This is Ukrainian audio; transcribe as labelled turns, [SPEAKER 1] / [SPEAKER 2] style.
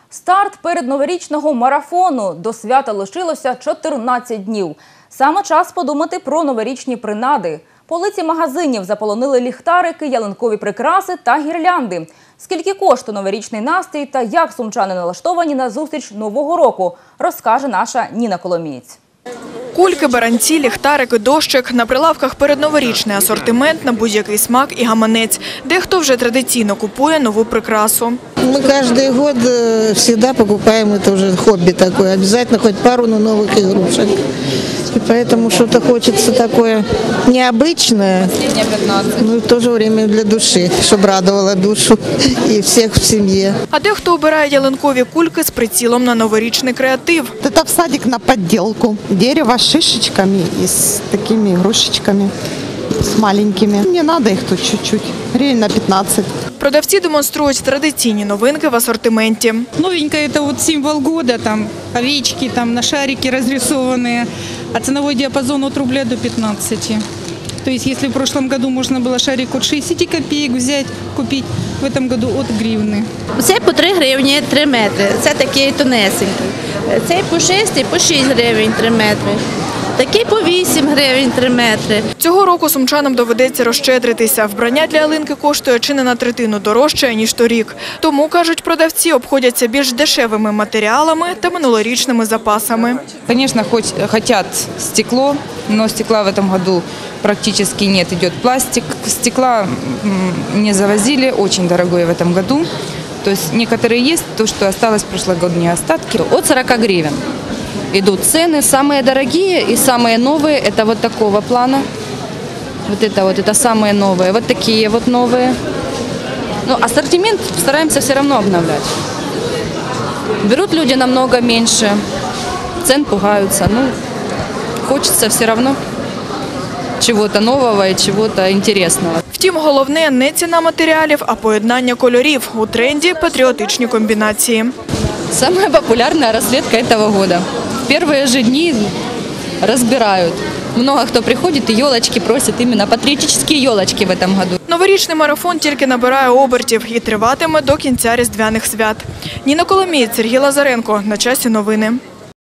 [SPEAKER 1] Старт передноворічного марафону. До свята лишилося 14 днів. Саме час подумати про новорічні принади. Полиці магазинів заполонили ліхтарики, ялинкові прикраси та гірлянди. Скільки коштує новорічний настрій та як сумчани налаштовані на зустріч Нового року, розкаже наша Ніна Коломієць.
[SPEAKER 2] Кульки, баранці, ліхтарики, дощик. На прилавках передноворічний асортимент на будь-який смак і гаманець. Дехто вже традиційно купує нову прикрасу.
[SPEAKER 3] Мы каждый год всегда покупаем, это уже хобби такое, обязательно хоть пару новых игрушек. И поэтому что-то хочется такое необычное, но и в то же время для души, чтобы радовало душу и всех в семье.
[SPEAKER 2] А дехто обирає ялинкові кульки з прицілом на новорічний креатив.
[SPEAKER 4] Это в садик на подделку. Дерево с шишечками и с такими игрушечками, с маленькими. Мне надо их тут чуть-чуть, гривен на 15.
[SPEAKER 2] Продавці демонструють традиційні новинки в асортименті.
[SPEAKER 5] Новенькое – это вот символ года, там овечки, там на шарики разрисованные, а ценовой диапазон от рубля до 15. То есть если в прошлом году можно было шарик от 60 копеек взять, купить, в этом году от гривны.
[SPEAKER 6] Це по 3 гривні 3 метри, це такий тонесенький. Цей по 6 і по 6 гривень 3 метри. Такий по 8 гривень 3 метри.
[SPEAKER 2] Цього року сумчанам доведеться розщедритися. Вбрання для ялинки коштує чи не на третину дорожче, ніж торік. Тому, кажуть продавці, обходяться більш дешевими матеріалами та минулорічними запасами.
[SPEAKER 7] Конечно, хотят стекло, но стекла в этом году практически нет. Идет пластик. Стекла не завозили, очень дорогое в этом году. То есть некоторые есть, то, что осталось прошлогодние остатки.
[SPEAKER 8] От 40 гривен идут цены. Самые дорогие и самые новые – это вот такого плана. Это самые новые. Вот такие вот новые. Но ассортимент стараемся все равно обновлять. Берут люди намного меньше, цен пугаются. Хочется все равно чего-то нового и чего-то интересного.
[SPEAKER 2] Втім, головне не ціна матеріалів, а поєднання кольорів. У тренді патріотичні комбінації.
[SPEAKER 8] Самая популярная расцветка этого года. В первые же дни разбирают. Много кто приходит и елочки просит, именно патриотические елочки в этом году.
[SPEAKER 2] Новорічний марафон тільки набирає обертів і триватиме до кінця різдвяних свят. Ніна Коломієць, Сергій Лазаренко. На часі новини.